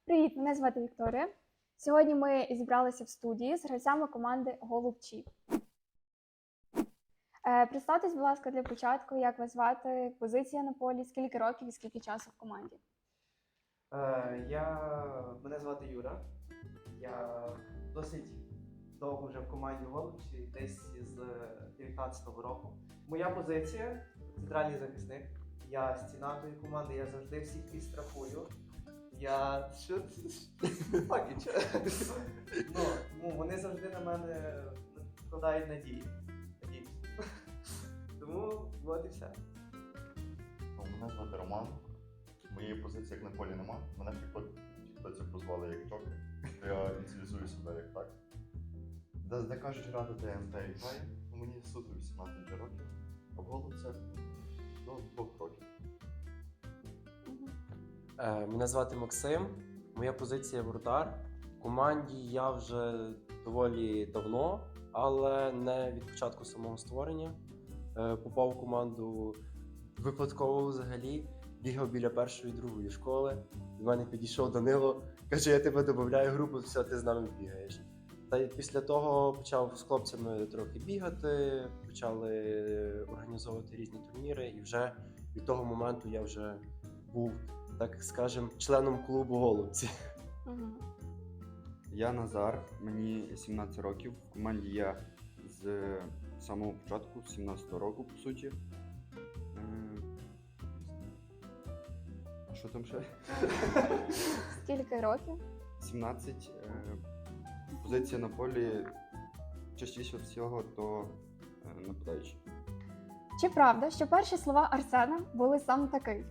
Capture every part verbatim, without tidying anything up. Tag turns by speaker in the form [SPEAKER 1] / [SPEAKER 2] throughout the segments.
[SPEAKER 1] Привіт, мене звати Вікторія. Сьогодні ми зібралися в студії з гравцями команди Голубчі. Е, представтесь, будь ласка, для початку, як вас звати, позиція на полі, скільки років і скільки часу в команді.
[SPEAKER 2] Е, я... Мене звати Юра. Я досить довго вже в команді Голубчі, десь з дев'ятнадцятого року. Моя позиція – центральний захисник. Я стіна тої команди, я завжди всіх підстрахую. Я... Що? Так, нічого. Ну, ну, вони завжди на мене вкладають надії. Надії. Тому от і все.
[SPEAKER 3] Мене звати Роман. Моєї позиції як на полі нема. Мене в тіктоці прозвали як Джокер. Я ініціалізую себе як так. Де, де кажуть грати ТНТ і грає, мені суто вісімнадцять років, а в голубцях до двох років.
[SPEAKER 4] Е, Мене звати Максим, моя позиція воротар. В команді я вже доволі давно, але не від початку самого створення. Е, Попав в команду випадково взагалі, бігав біля першої і другої школи. До мене підійшов Данило, каже, я тебе додаю в групу, все, ти з нами бігаєш. Та й після того почав з хлопцями трохи бігати, почали організовувати різні турніри, і вже від того моменту я вже був, так скажем, членом клубу Голубці.
[SPEAKER 1] Угу.
[SPEAKER 5] Я Назар, мені сімнадцять років. В команді я з самого початку, з сімнадцятого року, по суті. Е, А що там ще?
[SPEAKER 1] Скільки років?
[SPEAKER 5] сімнадцять. Е, Позиція на полі частіше всього, то е, нападаючий.
[SPEAKER 1] Чи правда, що перші слова Арсена були саме такий?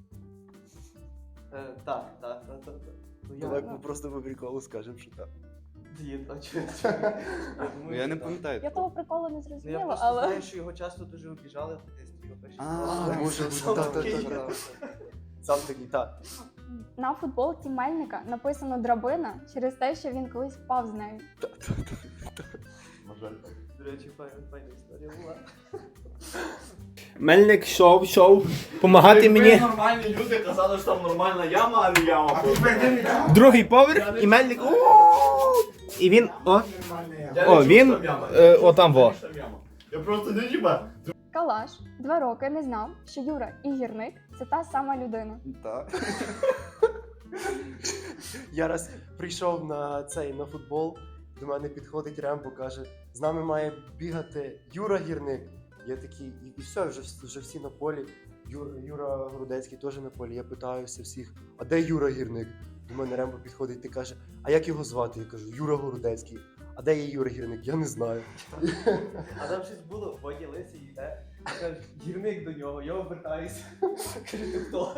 [SPEAKER 2] Е, так, так, так, так. Ну, я...
[SPEAKER 4] Давай ми просто по приколу скажемо, що так.
[SPEAKER 2] Дід, а чого? Я
[SPEAKER 5] Ну,
[SPEAKER 2] думаю,
[SPEAKER 5] я
[SPEAKER 2] що
[SPEAKER 5] не
[SPEAKER 2] так.
[SPEAKER 5] пам'ятаю.
[SPEAKER 1] Я того приколу не
[SPEAKER 2] Ну, я
[SPEAKER 1] зрозуміла,
[SPEAKER 2] просто
[SPEAKER 1] але...
[SPEAKER 2] знаю, що його часто дуже обіжали в дитинстві. його перші
[SPEAKER 5] А,
[SPEAKER 2] слова.
[SPEAKER 4] може бути,
[SPEAKER 2] Сам
[SPEAKER 4] так,
[SPEAKER 2] такий.
[SPEAKER 4] так, так. Сам такий, так.
[SPEAKER 1] На футболці Мельника написано «драбина» через те, що він колись впав з нею.
[SPEAKER 3] На жаль, так.
[SPEAKER 2] До речі, файна, файна історія була.
[SPEAKER 6] Мельник йшов, йшов, помагати мені.
[SPEAKER 7] Нормальні люди казали, що там нормальна яма, а не яма.
[SPEAKER 6] Другий поверх, і Мельник. «О!» І він. О,
[SPEAKER 7] Я
[SPEAKER 6] О,
[SPEAKER 7] не чув,
[SPEAKER 6] він,
[SPEAKER 7] що там яма.
[SPEAKER 6] е, о, там во.
[SPEAKER 7] Що там яма. Я просто не чіпа.
[SPEAKER 1] Калаш два роки не знав, що Юра і Гірник – це та сама людина.
[SPEAKER 5] Так.
[SPEAKER 4] Я раз прийшов на цей на футбол, до мене підходить Рембо, каже, з нами має бігати Юра Гірник. Я такий, і, і все, вже, вже всі на полі. Юра, Юра Грудецький теж на полі. Я питаюся всіх, а де Юра Гірник? До мене Рембо підходить і каже, а як його звати? Я кажу, Юра Грудецький. А де є Юра Гірник? Я не знаю.
[SPEAKER 2] А там щось було, Водя Лисий йде, каже, гірник до нього, я обертаюся. Каже, ти хто?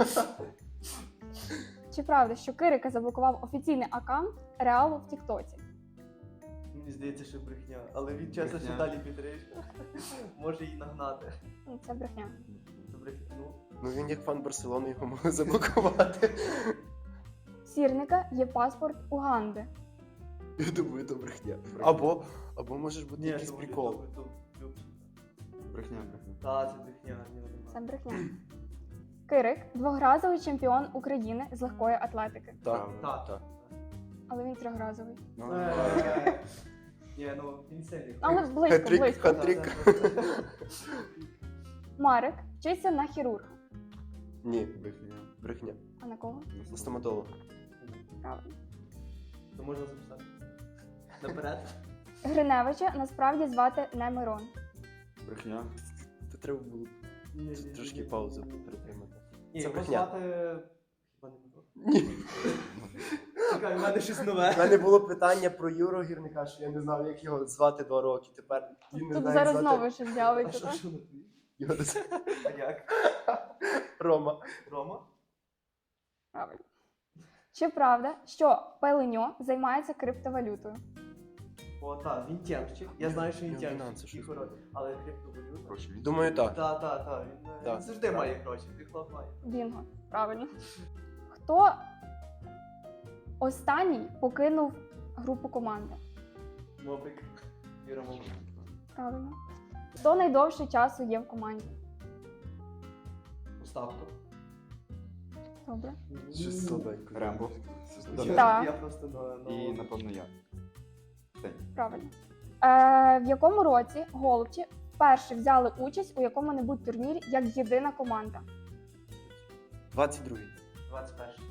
[SPEAKER 1] Чи правда, що Кирика заблокував офіційний аккаунт Реалу в Тіктоці?
[SPEAKER 2] Мені здається, що брехня, але він чесно, що
[SPEAKER 5] Брехня.
[SPEAKER 2] далі підриш. Може її нагнати.
[SPEAKER 1] Ну, це брехня.
[SPEAKER 2] Це брехня. Ну,
[SPEAKER 4] Ну він як фан Барселони його може заблокувати.
[SPEAKER 1] В Сірника є паспорт Уганди.
[SPEAKER 4] Я думаю, це брехня. Або, або може бути
[SPEAKER 2] ні,
[SPEAKER 4] якийсь
[SPEAKER 2] то вони-
[SPEAKER 4] прикол.
[SPEAKER 2] то- то- то-
[SPEAKER 5] Брехня, брехня.
[SPEAKER 2] Та, це брехня, ні, нема.
[SPEAKER 1] Це брехня. Кирик – двохразовий чемпіон України з легкої атлетики.
[SPEAKER 4] Так,
[SPEAKER 2] Так.
[SPEAKER 4] так.
[SPEAKER 1] Але він трьохразовий.
[SPEAKER 2] Е, Ні, ну, він сильний.
[SPEAKER 1] Але близько,
[SPEAKER 4] Хет-трик,
[SPEAKER 1] близько.
[SPEAKER 4] хет-трик.
[SPEAKER 2] Та, це просто-
[SPEAKER 1] Марик вчиться на хірурга.
[SPEAKER 4] Ні,
[SPEAKER 5] Брехня.
[SPEAKER 4] брехня.
[SPEAKER 1] А на кого?
[SPEAKER 4] На стоматолога.
[SPEAKER 1] Правильно.
[SPEAKER 2] То можна записати. Наперед.
[SPEAKER 1] Гриневича насправді звати не Мирон.
[SPEAKER 5] Брехня.
[SPEAKER 4] То треба було
[SPEAKER 2] Ні, ні, ні,
[SPEAKER 4] трошки
[SPEAKER 2] ні,
[SPEAKER 4] паузу
[SPEAKER 2] ні, ні.
[SPEAKER 4] притримати.
[SPEAKER 2] Ні,
[SPEAKER 4] Це
[SPEAKER 2] його
[SPEAKER 4] брехня.
[SPEAKER 2] звати... Хіба не Мирон?
[SPEAKER 4] Ні.
[SPEAKER 2] Чекай, в мене щось
[SPEAKER 4] У
[SPEAKER 2] нове.
[SPEAKER 4] мене було питання про Юру Гірника, що я не знав, як його звати два роки. Тепер він не
[SPEAKER 1] Тут
[SPEAKER 4] знає,
[SPEAKER 1] зараз
[SPEAKER 4] як
[SPEAKER 1] знову
[SPEAKER 4] звати
[SPEAKER 1] щось
[SPEAKER 2] А
[SPEAKER 1] з'явиться,
[SPEAKER 2] що,
[SPEAKER 1] так?
[SPEAKER 2] що на твій?
[SPEAKER 4] його дос-
[SPEAKER 2] А як?
[SPEAKER 4] Рома.
[SPEAKER 2] Рома?
[SPEAKER 1] Правильно. Чи правда, що Пеленьо займається криптовалютою?
[SPEAKER 2] О, так, він тємщик. Я знаю, що він
[SPEAKER 4] Він
[SPEAKER 2] тємщик.
[SPEAKER 4] фінанси
[SPEAKER 2] і
[SPEAKER 4] щось
[SPEAKER 2] хороший. Але криптовалюта.
[SPEAKER 5] Гроші він.
[SPEAKER 4] Думаю, так.
[SPEAKER 2] Так, так, так. Він, е,
[SPEAKER 4] Так.
[SPEAKER 2] він завжди має гроші. Ти хлоп має.
[SPEAKER 1] Бінго. Правильно. Хто останній покинув групу команди?
[SPEAKER 2] Мопик. Віра Мопик.
[SPEAKER 1] Правильно. Хто найдовше часу є в команді?
[SPEAKER 2] Поставку.
[SPEAKER 1] Добре.
[SPEAKER 4] Щось слабенько.
[SPEAKER 5] Рембо.
[SPEAKER 2] Я,
[SPEAKER 1] Так.
[SPEAKER 2] я просто на, на...
[SPEAKER 5] І, напевно, я. День.
[SPEAKER 1] Правильно. Е, в якому році голубці вперше взяли участь у якому-небудь турнірі як єдина команда?
[SPEAKER 4] двадцять другий.
[SPEAKER 2] двадцять перший.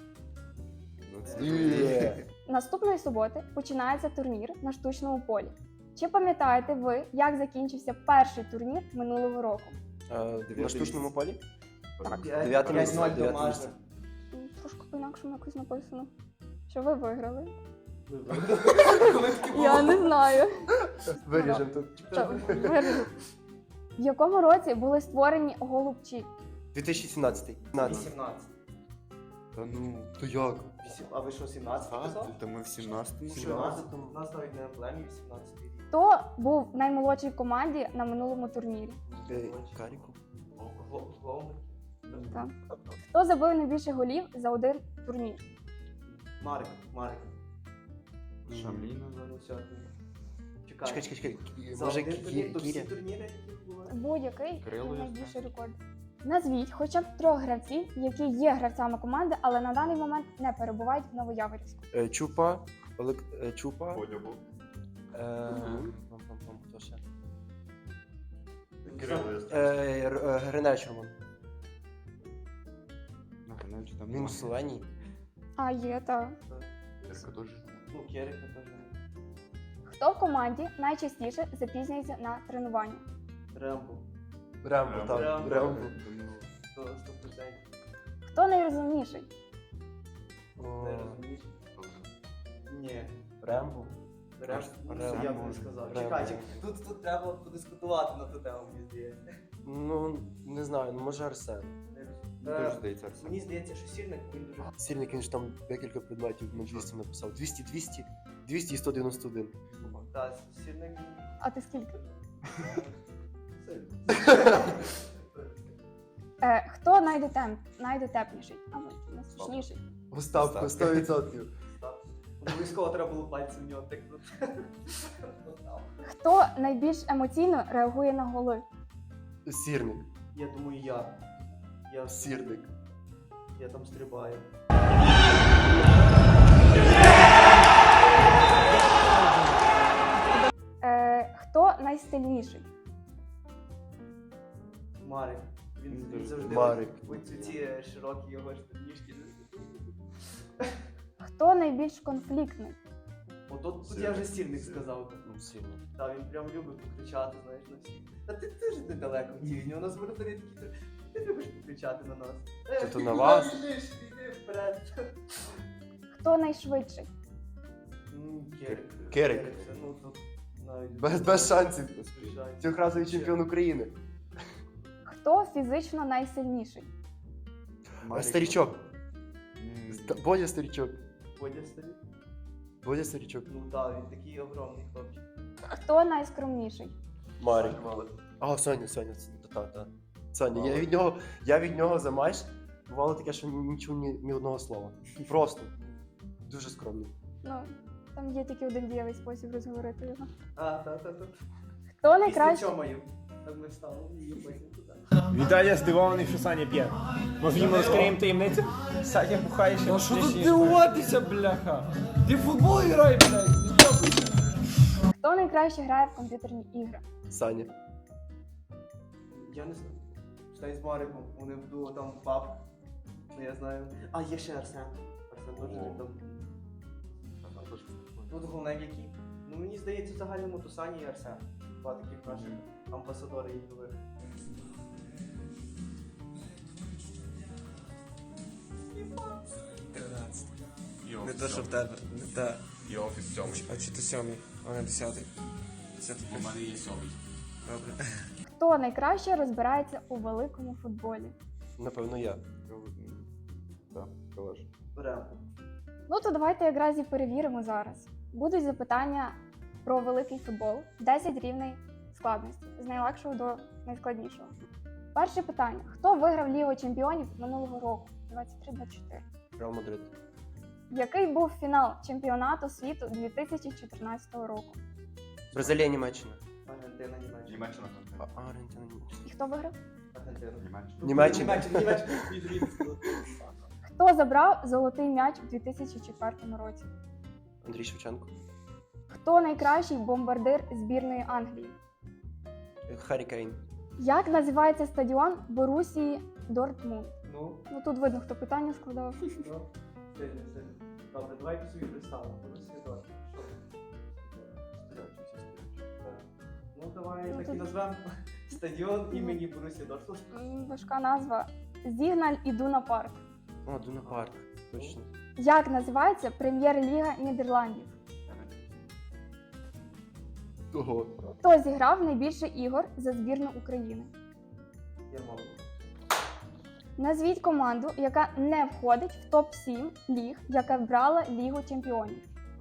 [SPEAKER 4] Є.
[SPEAKER 1] Наступної суботи починається турнір на штучному полі. Чи пам'ятаєте ви, як закінчився перший турнір минулого року?
[SPEAKER 4] Е, На штучному полі?
[SPEAKER 1] Так.
[SPEAKER 4] Дев'яте місце,
[SPEAKER 2] ноль
[SPEAKER 4] дев'яте
[SPEAKER 2] домашнє.
[SPEAKER 4] місце.
[SPEAKER 1] М, Трошки по-інакшому якось написано. Що ви виграли?
[SPEAKER 2] Вибрали.
[SPEAKER 1] Я не знаю.
[SPEAKER 4] Виріжемо тут.
[SPEAKER 1] Що ви виграли? В якому році були створені голубці?
[SPEAKER 4] дві тисячі сімнадцятий. сімнадцятий.
[SPEAKER 2] вісімнадцять.
[SPEAKER 5] Та ну, то як?
[SPEAKER 2] Вісім- А ви що, сімнадцять казав?
[SPEAKER 5] Та ми в сімнадцятому.
[SPEAKER 2] Що, у нас, у нас навіть не емблемі вісімнадцятий рік.
[SPEAKER 1] Хто був наймолодшій команді на минулому турнірі?
[SPEAKER 4] Е, Каріку.
[SPEAKER 2] Гло- Гломик.
[SPEAKER 1] Так. Хто забив найбільше голів за один турнір?
[SPEAKER 2] Марик, Марик.
[SPEAKER 5] Шамліна.
[SPEAKER 2] Ну, все. Чекай.
[SPEAKER 4] Чекай, чекай, чекай.
[SPEAKER 2] За
[SPEAKER 4] Може,
[SPEAKER 2] один турнір, то всі
[SPEAKER 4] Кіря?
[SPEAKER 2] турніри, які були?
[SPEAKER 1] Будь-який
[SPEAKER 5] Крило є,
[SPEAKER 1] найбільший рекорд. Назвіть хоча б трьох гравців, які є гравцями команди, але на даний момент не перебувають в Новояворівську.
[SPEAKER 4] Е, Чупа. Олег... е, Чупа.
[SPEAKER 3] Бодя був.
[SPEAKER 4] Е, пам-пам-пам, хто ще?
[SPEAKER 3] Кирило є.
[SPEAKER 4] Е, Р- е, Гриневич Роман.
[SPEAKER 5] Ну, Гриневич там
[SPEAKER 4] Він
[SPEAKER 5] немає.
[SPEAKER 4] зеленій.
[SPEAKER 1] А є, так.
[SPEAKER 5] Кирка теж.
[SPEAKER 2] Ну, Керика теж.
[SPEAKER 1] Хто в команді найчастіше запізнюється на тренування?
[SPEAKER 2] Рембо.
[SPEAKER 4] Рембо,
[SPEAKER 3] Рембо.
[SPEAKER 4] так.
[SPEAKER 2] Рембо.
[SPEAKER 4] Рембо.
[SPEAKER 2] Сто сто процентів.
[SPEAKER 1] Хто найрозумніший?
[SPEAKER 4] О,
[SPEAKER 2] Не розумієш? Ні.
[SPEAKER 4] Рембо.
[SPEAKER 2] Рембо.
[SPEAKER 5] Рембо.
[SPEAKER 2] Я б не сказав.
[SPEAKER 4] Рембо.
[SPEAKER 2] Чекай, чекай. Тут, тут треба подискутувати на ту тему, мені здається.
[SPEAKER 4] Ну, не знаю, ну може Арсен.
[SPEAKER 5] Теж
[SPEAKER 2] Е,
[SPEAKER 5] здається, Арсен.
[SPEAKER 2] Мені здається, що сірник він дуже.
[SPEAKER 4] Сірник, він ж там декілька предметів на двісті написав. двісті, двісті, двісті і сто дев'яносто один.
[SPEAKER 2] Так, сірник.
[SPEAKER 1] А ти скільки?
[SPEAKER 2] Сильно.
[SPEAKER 1] Е, хто найдотем... найдотепніший? А ви найсмішніший.
[SPEAKER 4] Остапко, сто відсотків.
[SPEAKER 2] Так. Обов'язково треба було пальці в нього тикнути.
[SPEAKER 1] Хто найбільш емоційно реагує на голи?
[SPEAKER 4] Сірник.
[SPEAKER 2] Я думаю, я. Я,
[SPEAKER 4] Сірник.
[SPEAKER 2] я там стрибаю.
[SPEAKER 1] Е, хто найстильніший?
[SPEAKER 2] Марик. Він,
[SPEAKER 5] Він
[SPEAKER 2] він
[SPEAKER 5] дуже-
[SPEAKER 2] завжди
[SPEAKER 4] Марик.
[SPEAKER 2] ось ці широкі його ж ніжки.
[SPEAKER 1] Хто найбільш конфліктний?
[SPEAKER 2] От тут, тут я вже сірник сказав.
[SPEAKER 4] Ну, сірник.
[SPEAKER 2] Та він прям любить покричати, знаєш, на всіх. Та ти теж недалеко в тівні, у нас воротарі такі, ти, ти любиш покричати на нас. Е,
[SPEAKER 4] Це то
[SPEAKER 2] ти
[SPEAKER 4] на
[SPEAKER 2] куди
[SPEAKER 4] вас?
[SPEAKER 2] біжиш? Іди вперед.
[SPEAKER 1] Хто найшвидший?
[SPEAKER 2] М, Керик.
[SPEAKER 4] Керик.
[SPEAKER 2] Це, ну тут навіть
[SPEAKER 4] Без, без шансів.
[SPEAKER 2] без шансів.
[SPEAKER 4] Трьохразовий чемпіон України.
[SPEAKER 1] Хто фізично найсильніший?
[SPEAKER 5] Марик.
[SPEAKER 4] Старічок.
[SPEAKER 5] М,
[SPEAKER 4] Ста- Бодя старічок.
[SPEAKER 2] Бодя стоїть?
[SPEAKER 4] Бодя старічок.
[SPEAKER 2] Ну так, він такий огромний хлопчик.
[SPEAKER 1] Хто найскромніший?
[SPEAKER 4] Марик. А, Соня, Соня, це- та, та, та. Соня, я від нього, я від нього за матч бувало таке, що нічого ні, ні одного слова. Просто. Дуже скромний.
[SPEAKER 1] Ну, там є тільки один дієвий спосіб розговорити його.
[SPEAKER 2] А, та-та-та.
[SPEAKER 1] Хто
[SPEAKER 2] Після
[SPEAKER 1] найкраще?
[SPEAKER 2] чомаю. Так ми стали і потім туди.
[SPEAKER 6] Віталія здивований, що Саня п'є. Може йому розкриємо таємницю? Саня бухає ще.
[SPEAKER 8] Ну що тут дивуватися, бляха? Ти в футбол грай, блядь!
[SPEAKER 1] Хто найкраще грає в комп'ютерні ігри?
[SPEAKER 4] Саня.
[SPEAKER 2] Я не знаю. Читай з Мариком, вони в дуо там пап. Ну я знаю. А, є ще Арсен. Арсен теж він там. Ну, то головне які. Ну мені здається, в загальному то Саня і Арсен. Два таких наших амбасадори ігрових.
[SPEAKER 8] Не те, що в тебе, не те.
[SPEAKER 7] І офіс сьомий.
[SPEAKER 8] А чи ти сьомий, а не десятий? Десятий
[SPEAKER 7] У мене є сьомий.
[SPEAKER 8] Добре.
[SPEAKER 1] Хто найкраще розбирається у великому футболі?
[SPEAKER 4] Напевно, я.
[SPEAKER 5] Так, калаш.
[SPEAKER 2] Беремо.
[SPEAKER 1] Ну то давайте якраз і перевіримо зараз. Будуть запитання про великий футбол, десять рівней складності, з найлегшого до найскладнішого. Перше питання: хто виграв Лігу чемпіонів минулого року? двадцять три двадцять чотири.
[SPEAKER 4] Реал Мадрид.
[SPEAKER 1] Який був фінал чемпіонату світу дві тисячі чотирнадцятого року?
[SPEAKER 4] Бразилія, Німеччина.
[SPEAKER 2] Аргентина, Німеччина.
[SPEAKER 3] Німеччина.
[SPEAKER 4] А, Аргентина, Німеччина.
[SPEAKER 1] І хто виграв?
[SPEAKER 2] Аргентина.
[SPEAKER 3] Німеччина.
[SPEAKER 4] Німеччина.
[SPEAKER 2] Німеччина, Німеччина. Від Рівського.
[SPEAKER 1] Хто забрав золотий м'яч у дві тисячі четвертому році?
[SPEAKER 4] Андрій Шевченко.
[SPEAKER 1] Хто найкращий бомбардир збірної Англії?
[SPEAKER 4] Харі Кейн.
[SPEAKER 1] Як називається стадіон Борусії Дортмунд?
[SPEAKER 2] Ну,
[SPEAKER 1] Ну тут видно, хто питання складав.
[SPEAKER 2] ну, сильно, сильно. Добре, давайте собі представимо. Борусія Дортмунд. Що? Так. Ну, давай
[SPEAKER 1] Ну,
[SPEAKER 2] так і
[SPEAKER 1] тут-
[SPEAKER 2] назвемо стадіон імені Борусія Дортмунд.
[SPEAKER 1] М, Важка назва. Зігналь Ідуна Парк.
[SPEAKER 4] О, Дуна Парк. Точно.
[SPEAKER 1] Як називається прем'єр-ліга Нідерландів?
[SPEAKER 3] Ого.
[SPEAKER 1] Хто зіграв найбільше ігор за збірну України?
[SPEAKER 2] Ярмоленко.
[SPEAKER 1] Назвіть команду, яка не входить в топ сім ліг, яка брала Лігу чемпіонів.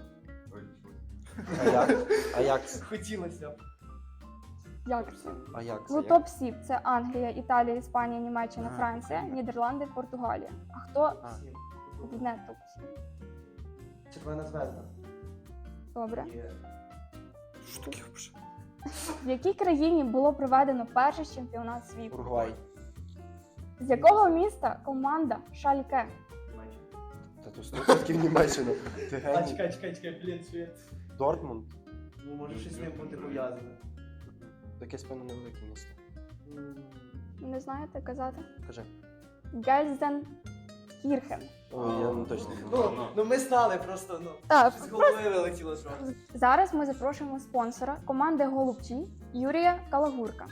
[SPEAKER 4] Аякс. Аякс.
[SPEAKER 2] Хотілося б.
[SPEAKER 1] Як це?
[SPEAKER 4] Аякс.
[SPEAKER 1] Ну, топ сім це Англія, Італія, Іспанія, Німеччина,
[SPEAKER 4] А,
[SPEAKER 1] Франція,
[SPEAKER 4] понятно.
[SPEAKER 1] Нідерланди, Португалія. А хто
[SPEAKER 4] А.
[SPEAKER 2] Всім.
[SPEAKER 1] не топ сім?
[SPEAKER 2] Червона звезда.
[SPEAKER 1] Добре.
[SPEAKER 2] Є.
[SPEAKER 4] Що таке взагалі?
[SPEAKER 1] В якій країні було проведено перший чемпіонат світу?
[SPEAKER 4] Уругвай.
[SPEAKER 1] З якого міста команда Шальке?
[SPEAKER 2] Німеччина.
[SPEAKER 4] Та то сто відсотків Німеччина. Ти
[SPEAKER 2] А,
[SPEAKER 4] геній.
[SPEAKER 2] чекай, чекай, чекай, блін, світ.
[SPEAKER 4] Дортмунд.
[SPEAKER 2] Ну, може щось з ним бути пов'язане.
[SPEAKER 4] Якесь, певно, невелике місто.
[SPEAKER 2] М,
[SPEAKER 1] Не знаєте казати?
[SPEAKER 4] Кажи.
[SPEAKER 1] Гельзенкірхен.
[SPEAKER 4] О, я не точно не
[SPEAKER 2] Ну,
[SPEAKER 4] знаю.
[SPEAKER 2] ну ми знали просто, ну.
[SPEAKER 1] Так,
[SPEAKER 2] Щось з голови вилетіло трохи.
[SPEAKER 1] зараз ми запрошуємо спонсора команди Голубчі Юрія Калагурка.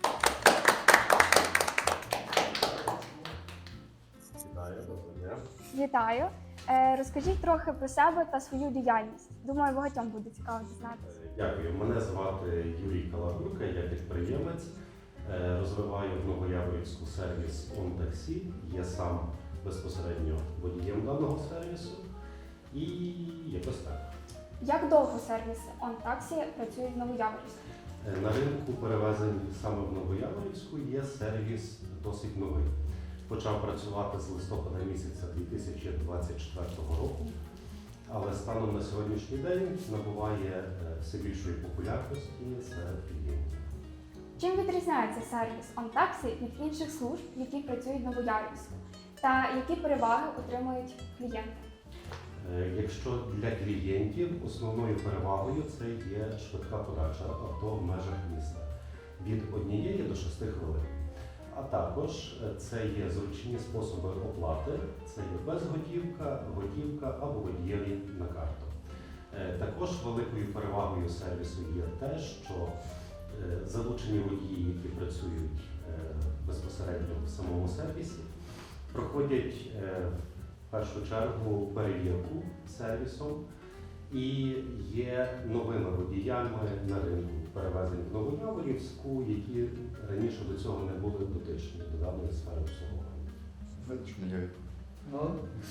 [SPEAKER 7] Вітаю, доброго дня.
[SPEAKER 1] Вітаю! Е, розкажіть трохи про себе та свою діяльність. Думаю, багатьом буде цікаво дізнатися.
[SPEAKER 9] Дякую. Мене звати Юрій Калагурка, я підприємець, е, розвиваю в Новояворівську сервіс «ОнТаксі». Я сам безпосередньо водієм даного сервісу. І якось так.
[SPEAKER 1] Як довго сервіси OnTaxi працюють в Новояворівську?
[SPEAKER 9] Е, На ринку перевезень саме в Новояворівську є сервіс досить новий. Почав працювати з листопада місяця дві тисячі двадцять четвертого року, але станом на сьогоднішній день набуває е, все більшої популярності серед клієнтів.
[SPEAKER 1] Чим відрізняється сервіс OnTaxi від інших служб, які працюють в Новояворівську? Та які переваги отримують клієнти?
[SPEAKER 9] Е, Якщо для клієнтів основною перевагою це є швидка подача авто в межах міста від однієї до шести хвилин. А також е, це є зручні способи оплати, це є безготівка, готівка або водієві на карту. Е, Також великою перевагою сервісу є те, що е, залучені водії, які працюють е, безпосередньо в самому сервісі, проходять е, в першу чергу перевірку сервісом і є новими водіями на ринку перевезень в Новояворівську, які раніше до цього не були дотичні до даної сфери обслуговування.
[SPEAKER 3] Видно, що не я.
[SPEAKER 2] Ну,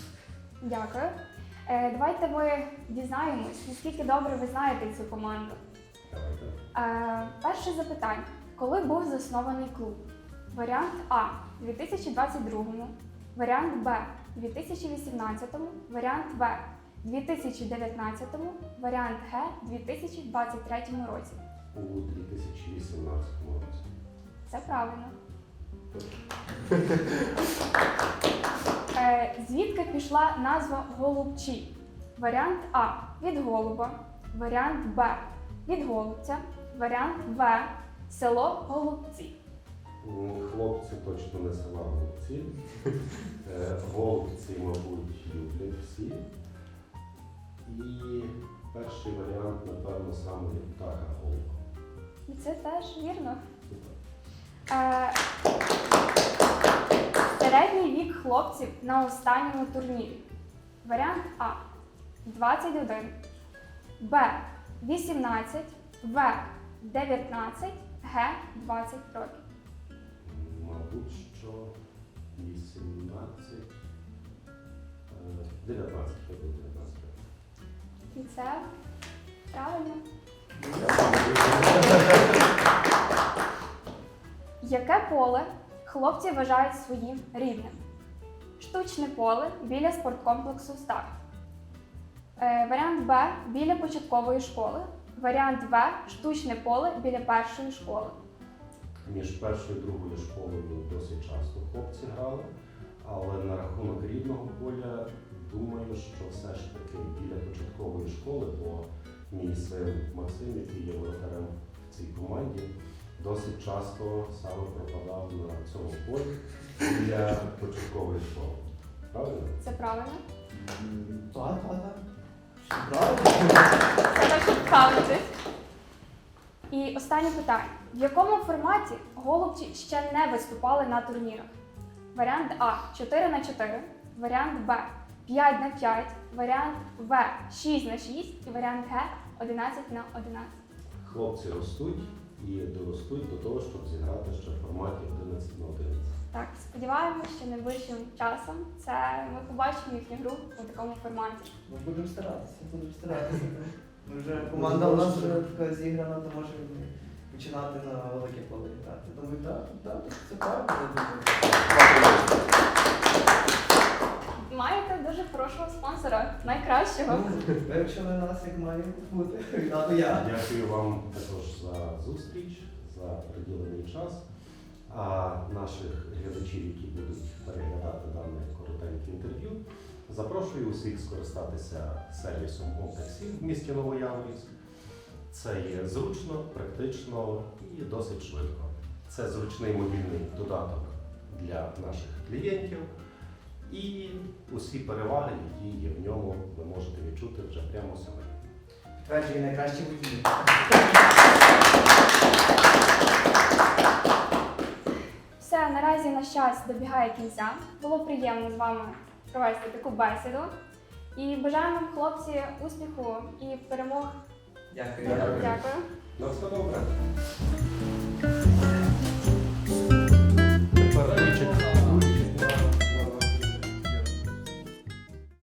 [SPEAKER 1] Дякую. Е, давайте ми дізнаємось, наскільки добре ви знаєте цю команду.
[SPEAKER 9] Давайте.
[SPEAKER 1] Е, перше запитання. Коли був заснований клуб? Варіант А – дві тисячі двадцять другому, варіант Б – дві тисячі вісімнадцятому, варіант В – дві тисячі дев'ятнадцятому, варіант Г – дві тисячі двадцять третьому році.
[SPEAKER 9] У дві тисячі вісімнадцятому році.
[SPEAKER 1] Це правильно. Е, звідки пішла назва Голубчі? Варіант А – від голуба, варіант Б – від голубця, варіант В – село Голубці.
[SPEAKER 9] М, Хлопці точно не села голубці. Е, Голубці, мабуть, люблять всі. І перший варіант, напевно, саме птаха голуба.
[SPEAKER 1] І це теж вірно.
[SPEAKER 9] Супер.
[SPEAKER 1] Е, середній вік хлопців на останньому турнірі. Варіант А – двадцять один, Б – вісімнадцять, В – дев'ятнадцять, Г – двадцять років.
[SPEAKER 9] Мабуть, що вісімнадцять, е, дев'ятнадцять, я буду дев'ятнадцять років.
[SPEAKER 1] І це правильно. Яке поле хлопці вважають своїм рідним? Штучне поле біля спорткомплексу «Старт». Е, варіант Б – біля початкової школи. Варіант В – штучне поле біля першої школи.
[SPEAKER 9] Між першою і другою школою досить часто хлопці грали, Але на рахунок рідного поля, думаю, що все ж таки біля початкової школи, бо мій син Максим, який є воротарем в цій команді, досить часто саме пропадав на цьому полі біля початкової школи. Правильно?
[SPEAKER 1] Це правильно?
[SPEAKER 2] Так, так, так. Правильно?
[SPEAKER 1] Це так, щоб впевнитись. І останнє питання. В якому форматі голубці ще не виступали на турнірах? Варіант А чотири на чотири, варіант Б п'ять на п'ять, варіант В шість на шість і варіант Г одинадцять на одинадцять.
[SPEAKER 9] Хлопці ростуть і доростуть до того, щоб зіграти ще в форматі одинадцять на одинадцять.
[SPEAKER 1] Так, сподіваємося, що найближчим часом це ми побачимо їхню гру у такому форматі.
[SPEAKER 2] Ми будемо старатися, будемо старатися. Ми вже команда у нас вже така зіграна, то може починати на велике поле грати. Думаю, так, так, це правильно, я думаю.
[SPEAKER 1] Маєте дуже хорошого спонсора, найкращого.
[SPEAKER 2] Ну, вивчили нас, як має бути. Віддати я.
[SPEAKER 9] Дякую вам також за зустріч, за приділений час. А наших глядачів, які будуть переглядати дане коротеньке інтерв'ю, запрошую усіх скористатися сервісом Омтаксі в місті Новояворівськ. Це є зручно, практично і досить швидко. Це зручний мобільний додаток для наших клієнтів. І усі переваги, які є в ньому, ви можете відчути вже прямо сьогодні.
[SPEAKER 2] Підтверджую найкращі водії.
[SPEAKER 1] Все, наразі наш час добігає кінця. Було приємно з вами провести таку бесіду. І бажаємо вам, хлопці, успіху і перемог.
[SPEAKER 2] Дякую.
[SPEAKER 1] Дякую.
[SPEAKER 9] На все добре.
[SPEAKER 2] Дякую.